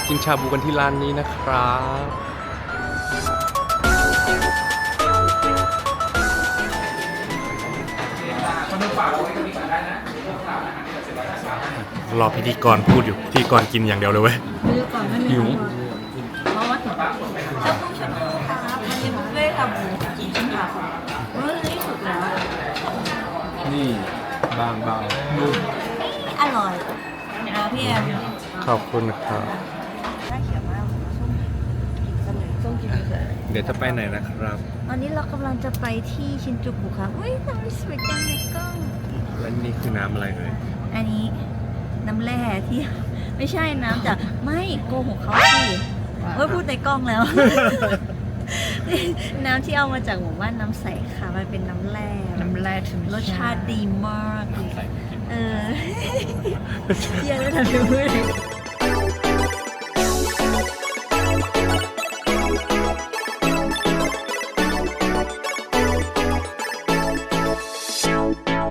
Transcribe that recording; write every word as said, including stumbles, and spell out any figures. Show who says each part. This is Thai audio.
Speaker 1: กินชาบูกันที่ร้านนี้นะครับรอพิธีกรพูดอยู่พิธีกรกินอย่างเดียวเลยเว้ย
Speaker 2: ซื้อก่อนไม่มี
Speaker 1: หิว
Speaker 2: เพราะว่าถึงเจ้าผู้ชมครับวันนี้บุฟเฟ่ต์ค่ะหมูกี่ชิ้นค่ะเฮ้ยนี่สุดแล้ว
Speaker 1: นี่บางเบานุ่ม
Speaker 2: อร่อยนะพี่แอม
Speaker 1: ขอบคุณครับ
Speaker 2: น่าเขียวมากส้มกินเสมอส้มกินเสมอ
Speaker 1: เดี๋ยวจะไปไหนนะครับ
Speaker 2: ตอนนี้เรากำลังจะไปที่ชินจูกุค่ะอุ้ยทำไมสวยจังในกล้อง
Speaker 1: และนี่คือน้ำอะไรเลย
Speaker 2: อันนี้น้ำแร่ที่ ไม่ใช่น้ำจากไม่โกหกเขาสิเฮ้ยพูดในกล้องแล้ว น้ำที่เอามาจากหมู่บ้านน้ำใสค่ะมันเป็นน้ำแร่น้ำแร่ถึงรสชาติดีมาก เออ เยี่ยมเลยทำให้พูด